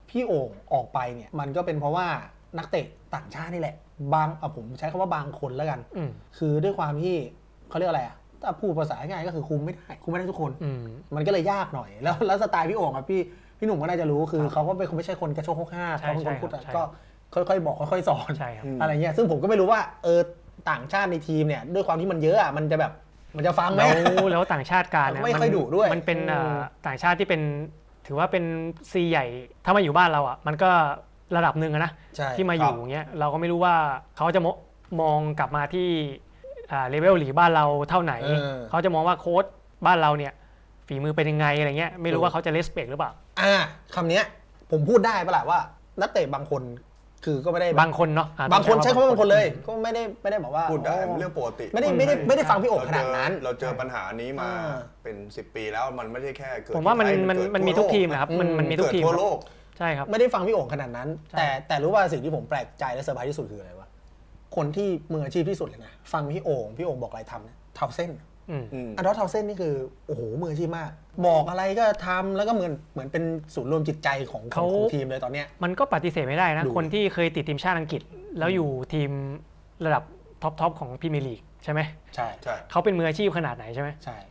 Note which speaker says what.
Speaker 1: พี่โอ่งออกไปเนี่ยมันก็เป็นเพราะว่านักเตะต่างชาตินี่แหละบางผมใช้คำว่าบางคนแล้วกันคือด้วยความที่เขาเรียกอะไรถ้าพูดภาษาง่ายก็คือคุมไม่ได้ทุกคนมันก็เลยยากหน่อยแล้วสไตล์พี่โอ่งครับพี่หนุ่มก็น่าจะรู้คือเขาก็ไม่ใช่คนกระโชกโคกห้าเขาเป็นคนพูดก็ค่อยๆบอกค่อยๆสอนอะไรเงี้ยซึ่งผมก็ไม่รู้ว่าต่างชาติในทีมเนี่ยด้วยความที่มันเยอะมันจะแบบมันจะฟังไหม
Speaker 2: แล้วต่างชาติการ
Speaker 1: ไม่ค่อยดุด้วย
Speaker 2: มันเป็นต่างชาติที่เป็นถือว่าเป็นซีใหญ่ถ้ามาอยู่บ้านเราอ่ะมันก็ระดับหนึ่งนะที่มาอยู่เงี้ยเราก็ไม่รู้ว่าเขาจะมองกลับมาที่เลเวลหลีบ้านเราเท่าไหนเขาจะมองว่าโค้ชบ้านเราเนี่ยฝีมือเป็นยังไงอะไรเงี้ยไม่รู้ว่าเขาจะเลสเปกหรือเปล่า
Speaker 1: คำนี้ผมพูดได้ปะล่ะว่านักเตะบางคนคือก็ไม่ได้
Speaker 2: บางคนเนาะ
Speaker 1: บางคนใช้คำว่าบางคนเลยก็ไม่ได้บอกว่า
Speaker 3: พูดได้เรื่องปกติ
Speaker 1: ไม่ได้ฟังพี่โอ่งขนาดนั้น
Speaker 3: เราเจอปัญหานี้มาเป็น10 ปีแล้วมันไม่ใช่แค่เกิด
Speaker 2: ผมว่ามันมีทุกทีมนะครับมันมีทุกทีม
Speaker 3: ทั่วโลก
Speaker 2: ใช่ครับ
Speaker 1: ไม่ได้ฟังพี่โอ่งขนาดนั้นแต่รู้ว่าสิ่งที่ผมแปลกใจและเซอร์ไพรส์ที่สุดคืออะไรวะคนที่มืออาชีพที่สุดเลยนะฟังพี่โอ่งบอกอะไรทำเนี่ยเท้าเส้นอันดอร์เท้าเส้นนี่คือโอ้โหมืออาชีพมากบอกอะไรก็ทำแล้วก็เหมือนเป็นศูนย์รวมจิตใจของทีมเลยตอนเนี้ย
Speaker 2: มันก็ปฏิเสธไม่ได้นะคนที่เคยติดทีมชาติอังกฤษแล้วอยู่ทีมระดับท็อปของพรีเมียร์ลีกใช่ไหม
Speaker 1: ใช่
Speaker 2: เขาเป็นมืออาชีพขนาดไหนใช่ไหม
Speaker 1: ใช่